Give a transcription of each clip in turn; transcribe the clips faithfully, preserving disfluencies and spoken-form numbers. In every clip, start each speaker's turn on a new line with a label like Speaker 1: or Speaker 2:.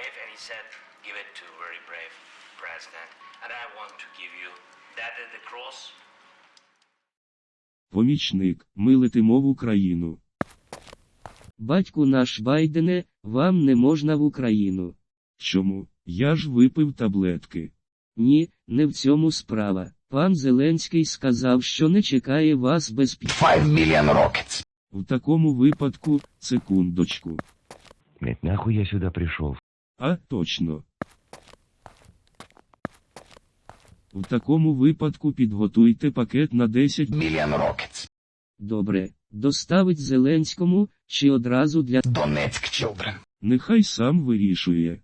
Speaker 1: brave, and he said, give it to very brave president. And I want to give you that is the cross.
Speaker 2: Помічник, ми летимо в Україну.
Speaker 3: Батьку наш Байдене, вам не можна в Україну.
Speaker 2: Чому? Я ж випив таблетки.
Speaker 3: Ні, не в цьому справа. Пан Зеленський сказав, що не чекає вас без пі...
Speaker 4: five million rockets.
Speaker 2: В такому випадку, секундочку.
Speaker 5: Блять, нахуй я сюда пришел?
Speaker 2: А, точно. В такому випадку підготуйте пакет на десять
Speaker 4: Million rockets.
Speaker 3: Добре. Доставить Зеленському, чи одразу для...
Speaker 4: Donetsk children.
Speaker 2: Нехай сам вирішує.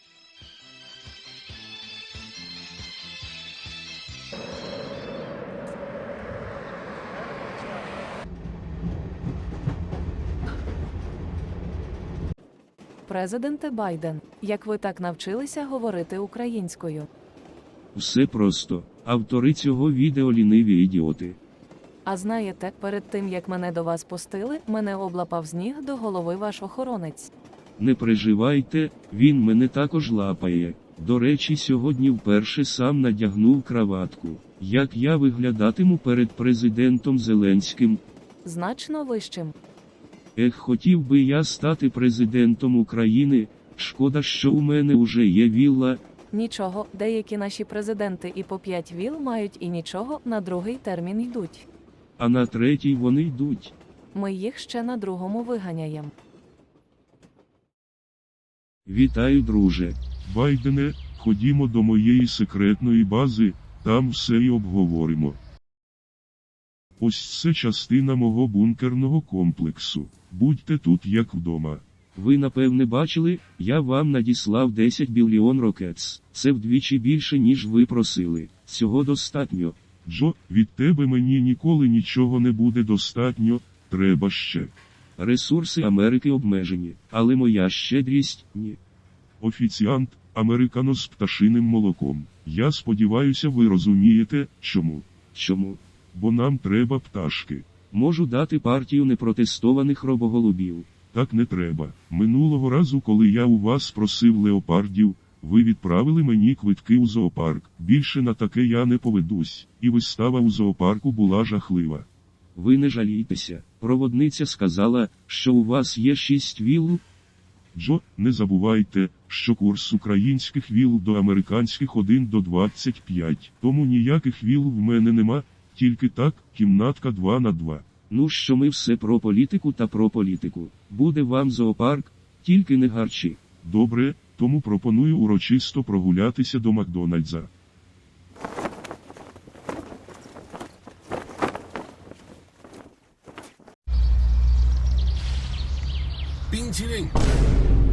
Speaker 6: Президенте Байден, як ви так навчилися говорити українською?
Speaker 2: Все просто. Автори цього відео ліниві ідіоти.
Speaker 6: А знаєте, перед тим як мене до вас пустили, мене облапав з ніг до голови ваш охоронець.
Speaker 2: Не переживайте, він мене також лапає. До речі, сьогодні вперше сам надягнув краватку. Як я виглядатиму перед президентом Зеленським?
Speaker 6: Значно вищим.
Speaker 2: Ех, хотів би я стати президентом України, шкода, що у мене уже є вілла.
Speaker 6: Нічого, деякі наші президенти і по п'ять віл мають і нічого, на другий термін йдуть.
Speaker 2: А на третій вони йдуть.
Speaker 6: Ми їх ще на другому виганяємо.
Speaker 2: Вітаю, друже. Байдене, ходімо до моєї секретної бази, там все і обговоримо. Ось це частина мого бункерного комплексу. Будьте тут як вдома. Ви напевне бачили, я вам надіслав десять біліон рокетс. Це вдвічі більше, ніж ви просили. Цього достатньо. Джо, від тебе мені ніколи нічого не буде достатньо, треба ще. Ресурси Америки обмежені, але моя щедрість – ні. Офіціант, американо з пташиним молоком. Я сподіваюся, ви розумієте, чому. Чому? Бо нам треба пташки. Можу дати партію непротестованих робоголубів. Так не треба. Минулого разу, коли я у вас просив леопардів, ви відправили мені квитки у зоопарк. Більше на таке я не поведусь. І вистава у зоопарку була жахлива. Ви не жалійтеся. Проводниця сказала, що у вас є шість віл. Джо, не забувайте, що курс українських віл до американських один до двадцять п'ять. Тому ніяких віл в мене нема, тільки так, кімнатка два на два. Ну що ми все про політику та про політику. Буде вам зоопарк, тільки не гарчі. Добре, тому пропоную урочисто прогулятися до Макдональдса.
Speaker 7: 冰淇淋。